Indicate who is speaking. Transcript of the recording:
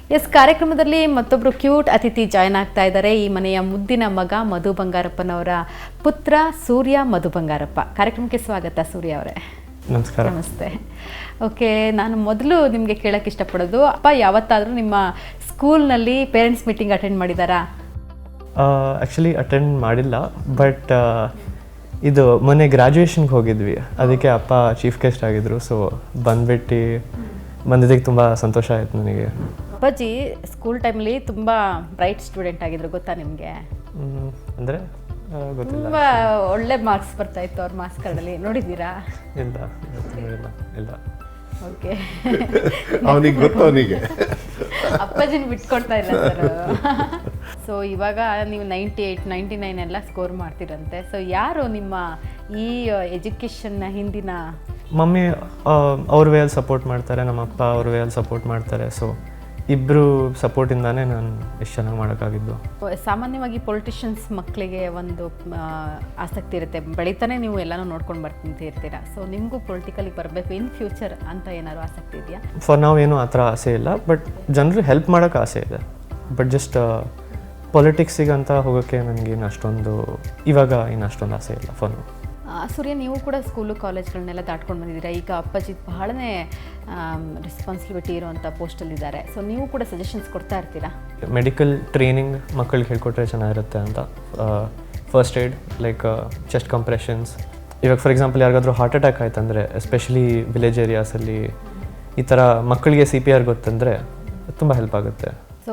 Speaker 1: S, ಕಾರ್ಯಕ್ರಮದಲ್ಲಿ ಮತ್ತೊಬ್ಬರು cute ಅತಿಥಿ ಜಾಯ್ನ್ ಆಗ್ತಾ ಇದ್ದಾರೆ. ಈ ಮನೆಯ ಮುದ್ದಿನ ಮಗ ಮಧು ಬಂಗಾರಪ್ಪನವರ ಪುತ್ರ ಸೂರ್ಯ ಮಧು ಬಂಗಾರಪ್ಪ. ಕಾರ್ಯಕ್ರಮಕ್ಕೆ ಸ್ವಾಗತ ಸೂರ್ಯ ಅವರೇ.
Speaker 2: ನಮಸ್ಕಾರ.
Speaker 1: ನಮಸ್ತೆ. ಓಕೆ, ನಾನು ಮೊದಲು ನಿಮಗೆ ಕೇಳಕ್ಕೆ ಇಷ್ಟಪಡೋದು, ಅಪ್ಪ ಯಾವತ್ತಾದರೂ ನಿಮ್ಮ ಸ್ಕೂಲ್ನಲ್ಲಿ ಪೇರೆಂಟ್ಸ್ ಮೀಟಿಂಗ್ ಅಟೆಂಡ್ ಮಾಡಿದ್ದಾರಾ?
Speaker 2: ಆ್ಯಕ್ಚುಲಿ ಅಟೆಂಡ್ ಮಾಡಿಲ್ಲ, ಬಟ್ ಇದು ಮೊನ್ನೆ ಗ್ರ್ಯಾಜುಯೇಷನ್ಗೆ ಹೋಗಿದ್ವಿ, ಅದಕ್ಕೆ ಅಪ್ಪ ಚೀಫ್ ಗೆಸ್ಟ್ ಆಗಿದ್ರು. ಸೊ ಬಂದಿದ್ದಕ್ಕೆ ತುಂಬ ಸಂತೋಷ ಆಯಿತು ನನಗೆ.
Speaker 1: ಅಪ್ಪಾಜಿ ಸ್ಕೂಲ್ ಟೈಮಲ್ಲಿ ತುಂಬ ಬ್ರೈಟ್ ಸ್ಟೂಡೆಂಟ್ ಆಗಿದ್ರು, ಗೊತ್ತಾ ನಿಮಗೆ?
Speaker 2: ಅಂದರೆ ಗೊತ್ತಿಲ್ಲ.
Speaker 1: ತುಂಬ ಒಳ್ಳೆ ಮಾರ್ಕ್ಸ್ ಬರ್ತಾ ಇತ್ತು ಅವ್ರ ಮಾರ್ಕ್ಸ್ ಕಾರ್ಡಲ್ಲಿ, ನೋಡಿದ್ದೀರಾ?
Speaker 2: ಇಲ್ಲ.
Speaker 1: ಓಕೆ,
Speaker 3: ಅವನಿಗೆ ಗೊತ್ತು, ಅವನಿಗೆ
Speaker 1: ಅಪ್ಪಾಜಿನ ಬಿಟ್ಕೊಡ್ತಾ ಇಲ್ಲ ಸರ್. ಸೊ ಇವಾಗ ನೀವು 98, 99 ಎಲ್ಲ ಸ್ಕೋರ್ ಮಾಡ್ತೀರಂತೆ. ಸೊ ಯಾರು ನಿಮ್ಮ ಈ ಎಜುಕೇಷನ್ನ ಹಿಂದಿನ?
Speaker 2: ಮಮ್ಮಿ ಅವ್ರ ವೇಯಲ್ಲಿ ಸಪೋರ್ಟ್ ಮಾಡ್ತಾರೆ, ನಮ್ಮ ಅಪ್ಪ ಅವ್ರ ವೇಯಲ್ಲಿ ಸಪೋರ್ಟ್ ಮಾಡ್ತಾರೆ. ಸೊ ಇಬ್ಬರು ಸಪೋರ್ಟಿಂದಾನೇ ನಾನು ಎಷ್ಟು ಚೆನ್ನಾಗಿ ಮಾಡೋಕ್ಕಾಗಿದ್ದು.
Speaker 1: ಸಾಮಾನ್ಯವಾಗಿ ಪೊಲಿಟಿಷಿಯನ್ಸ್ ಮಕ್ಕಳಿಗೆ ಒಂದು ಆಸಕ್ತಿ ಇರುತ್ತೆ, ಬೆಳೀತಾನೆ ನೀವು ಎಲ್ಲನೂ ನೋಡ್ಕೊಂಡು ಬರ್ತಿರ್ತೀರಾ. ಸೊ ನಿಮಗೂ ಪೊಲಿಟಿಕಲಿಗೆ ಬರಬೇಕು ಇನ್ ಫ್ಯೂಚರ್ ಅಂತ ಏನಾದ್ರು ಆಸಕ್ತಿ ಇದೆಯಾ?
Speaker 2: ಫಾರ್ ನಾವು ಏನೂ ಆ ಥರ ಆಸೆ ಇಲ್ಲ, ಬಟ್ ಜನರು ಹೆಲ್ಪ್ ಮಾಡೋಕ್ಕೆ ಆಸೆ ಇದೆ. ಬಟ್ ಜಸ್ಟ್ ಪೊಲಿಟಿಕ್ಸಿಗೆ ಅಂತ ಹೋಗೋಕ್ಕೆ ನನಗೇನು ಅಷ್ಟೊಂದು ಇವಾಗ ಅಷ್ಟೊಂದು ಆಸೆ ಇಲ್ಲ ಫಾರ್ ನಾವು.
Speaker 1: ಸೂರ್ಯ, ನೀವು ಕೂಡ ಸ್ಕೂಲು ಕಾಲೇಜ್ಗಳನ್ನೆಲ್ಲ ದಾಟ್ಕೊಂಡು ಬಂದಿದ್ದೀರಾ. ಈಗ ಅಪ್ಪಾಜಿ ಬಹಳನೇ ರೆಸ್ಪಾನ್ಸಿಬಿಲಿಟಿ ಇರೋವಂಥ ಪೋಸ್ಟಲ್ಲಿದ್ದಾರೆ. ಸೊ ನೀವು ಕೂಡ ಸಜೆಷನ್ಸ್ ಕೊಡ್ತಾ ಇರ್ತೀರಾ?
Speaker 2: ಮೆಡಿಕಲ್ ಟ್ರೈನಿಂಗ್ ಮಕ್ಕಳಿಗೆ ಹೇಳ್ಕೊಟ್ರೆ ಚೆನ್ನಾಗಿರುತ್ತೆ ಅಂತ. First aid like chest compressions. ಇವಾಗ ಫಾರ್ ಎಕ್ಸಾಂಪಲ್ ಯಾರಿಗಾದ್ರೂ ಹಾರ್ಟ್ ಅಟ್ಯಾಕ್ ಆಯ್ತಂದರೆ, ಎಸ್ಪೆಷಲಿ ವಿಲೇಜ್ ಏರಿಯಾಸಲ್ಲಿ ಈ ಥರ ಮಕ್ಕಳಿಗೆ CPR ಗೊತ್ತಂದರೆ ತುಂಬ ಹೆಲ್ಪ್ ಆಗುತ್ತೆ.